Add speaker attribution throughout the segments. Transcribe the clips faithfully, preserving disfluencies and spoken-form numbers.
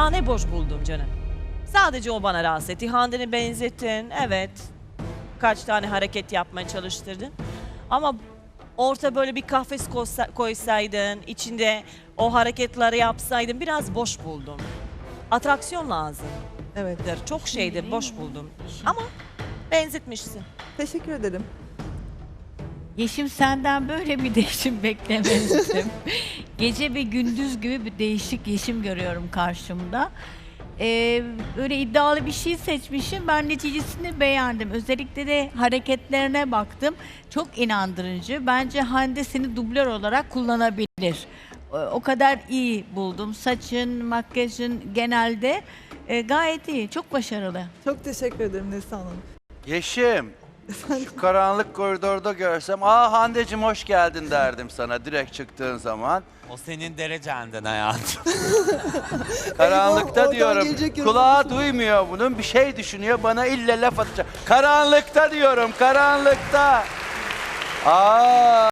Speaker 1: Daha ne boş buldum canım. Sadece o bana rahatsız etti. Hande'ni benzettin, evet. Kaç tane hareket yapmaya çalıştırdın. Ama orta böyle bir kafes koysa- koysaydın, içinde o hareketleri yapsaydın biraz boş buldum. Atraksiyon lazım.
Speaker 2: Evet.
Speaker 1: Çok şeydir, boş buldum. Ama benzetmişsin.
Speaker 2: Teşekkür ederim.
Speaker 3: Yeşim senden böyle bir değişim beklemezdim. Gece ve gündüz gibi bir değişik Yeşim görüyorum karşımda. Ee, böyle iddialı bir şey seçmişim. Ben neticesini beğendim. Özellikle de hareketlerine baktım. Çok inandırıcı. Bence Hande seni dublör olarak kullanabilir. O, o kadar iyi buldum. Saçın, makyajın genelde e, gayet iyi. Çok başarılı.
Speaker 2: Çok teşekkür ederim Neslihan Hanım.
Speaker 4: Yeşim, şu karanlık koridorda görsem, aa Hande'cim hoş geldin derdim sana direkt çıktığın zaman.
Speaker 5: O senin derecenden hayatım.
Speaker 4: Karanlıkta
Speaker 2: oradan
Speaker 4: diyorum,
Speaker 2: gelecek
Speaker 4: kulağı
Speaker 2: yorumlasın.
Speaker 4: duymuyor bunun, bir şey düşünüyor, bana ille laf atacak. Karanlıkta diyorum, karanlıkta. Aa.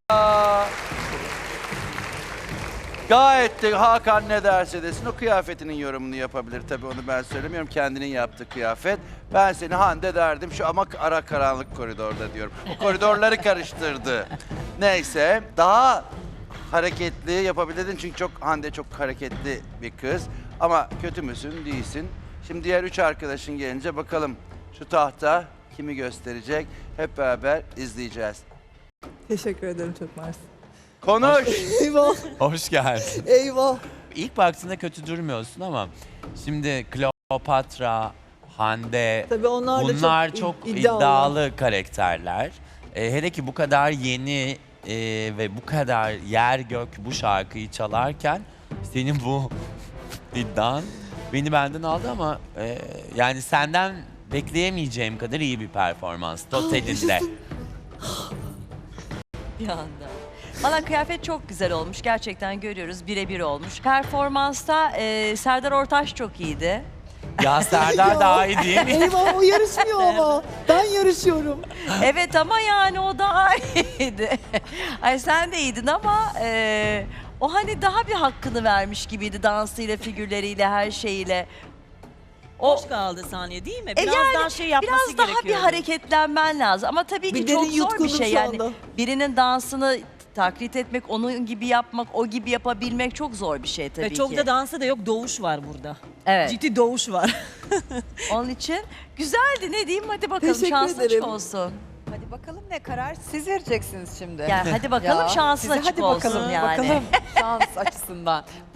Speaker 4: Gayet de Hakan ne derse desin, o kıyafetinin yorumunu yapabilir. Tabii onu ben söylemiyorum, kendinin yaptığı kıyafet. Ben seni Hande derdim şu ama ara karanlık koridorda diyorum. O koridorları karıştırdı. Neyse, daha hareketli yapabilirdin çünkü çok Hande çok hareketli bir kız. Ama kötü müsün? Değilsin. Şimdi diğer üç arkadaşın gelince bakalım şu tahta kimi gösterecek? Hep beraber izleyeceğiz.
Speaker 2: Teşekkür ederim çok mersi.
Speaker 4: Konuş!
Speaker 2: Eyvah,
Speaker 5: Hoş geldin.
Speaker 2: eyvah.
Speaker 5: İlk baktığında kötü durmuyorsun ama şimdi Kleopatra, Hande
Speaker 2: Tabii onlar da
Speaker 5: bunlar
Speaker 2: çok,
Speaker 5: çok,
Speaker 2: id-
Speaker 5: iddialı, karakterler. Ee, hele ki bu kadar yeni e, ve bu kadar yer gök bu şarkıyı çalarken senin bu iddian beni benden aldı ama e, yani senden bekleyemeyeceğim kadar iyi bir performans totalinde.
Speaker 6: Bir anda. Valla kıyafet çok güzel olmuş. Gerçekten görüyoruz. Birebir olmuş. Performansta e, Serdar Ortaç çok iyiydi.
Speaker 5: Ya Serdar daha iyi değil mi?
Speaker 2: Eyvah o yarışmıyor ama. Ben yarışıyorum.
Speaker 6: Evet ama yani o daha iyiydi. Ay sen de iyiydin ama e, o hani daha bir hakkını vermiş gibiydi dansıyla, figürleriyle, her şeyiyle. O
Speaker 1: Hoş kaldı saniye değil mi?
Speaker 6: E
Speaker 1: Biraz
Speaker 6: yani
Speaker 1: daha şey yapması
Speaker 6: biraz daha bir
Speaker 1: gerekiyordu.
Speaker 6: hareketlenmen lazım. Ama tabii ki
Speaker 2: Bir
Speaker 6: çok
Speaker 2: derin
Speaker 6: zor bir
Speaker 2: yutkundum
Speaker 6: şey
Speaker 2: şu
Speaker 6: yani.
Speaker 2: anda.
Speaker 6: Birinin dansını taklit etmek, onun gibi yapmak, o gibi yapabilmek çok zor bir şey tabii
Speaker 1: Ve çok
Speaker 6: ki.
Speaker 1: da dansı da yok, doğuş var burada.
Speaker 6: Evet.
Speaker 1: Ciddi doğuş var.
Speaker 6: Onun için güzeldi, ne diyeyim, hadi bakalım,
Speaker 2: Teşekkür
Speaker 6: şansın açık
Speaker 2: ederim.
Speaker 6: olsun.
Speaker 7: Hadi bakalım ne karar siz vereceksiniz şimdi.
Speaker 6: Yani hadi bakalım,
Speaker 7: Ya,
Speaker 6: şansın
Speaker 7: size
Speaker 6: açık
Speaker 7: hadi
Speaker 6: olsun
Speaker 7: bakalım,
Speaker 6: yani.
Speaker 7: bakalım şans açısından.